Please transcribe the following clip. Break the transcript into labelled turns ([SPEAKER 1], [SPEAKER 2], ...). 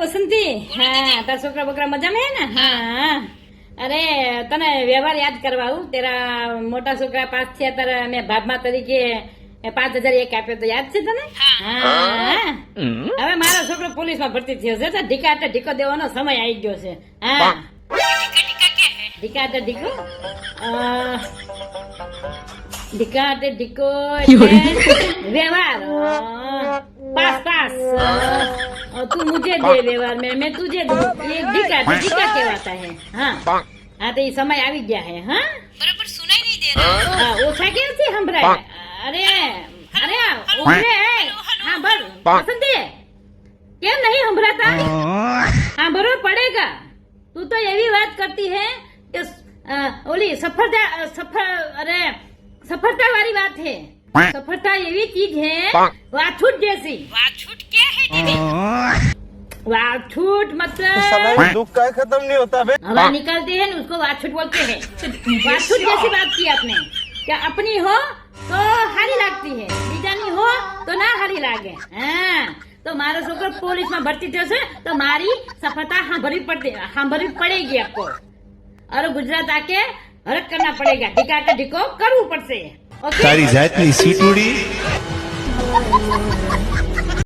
[SPEAKER 1] વસંતી હા તારા છોકરા બોકરા મજામાં હે ને હા અરે તને વ્યવહાર યાદ કરવા આવું તેરા મોટા છોકરા પાસ થયા તારા મેં ભાગમાં તરીકે 5,000 એક આપ્યો તો યાદ છે તને હા હવે મારો છોકરો પોલીસમાં ભરતી થયો છે તો ઢીકા ઢીકો દેવાનો સમય આવી ગયો છે હા ઢીકા ઢીકો ढिका ढिको व्यवहार पास पास तू मुझे दे व्यवहार में मैं तुझे दूं ये ढिका कहवाता है हाँ हाँ तो ये समय आ गया है हाँ
[SPEAKER 2] बराबर सुनाई नहीं दे रहा।
[SPEAKER 1] हाँ ओछा कैसे संभळाय अरे अरे उभरे हाँ बर बसंती કેમ नहीं संभળાતા हाँ बरोबर पड़ेगा तू तो एवी बात करती है कि ओली सफलता वाली बात है सफलता एवी चीज है वाछूट जैसी।
[SPEAKER 2] वाछूट क्या है दीदी?
[SPEAKER 1] वाछूट मतलब
[SPEAKER 3] साला दुख का खत्म नहीं होता बे।
[SPEAKER 1] हवा निकालते हैं ना उसको वाछूट बोलते हैं। वाछूट जैसी बात की आपने क्या अपनी हो तो हारी लगती है बीजानी हो तो ना हारी लागे हाँ तो मारो छोकरो पुलिस में भर्ती थयो छे तो मारी सफलता सांभळवी पड़ेगी आपको और गुजरात आके हरक करना पड़ेगा ढिका ढिको करવું પડશે ओके
[SPEAKER 4] तारी जातनी सीटूड़ी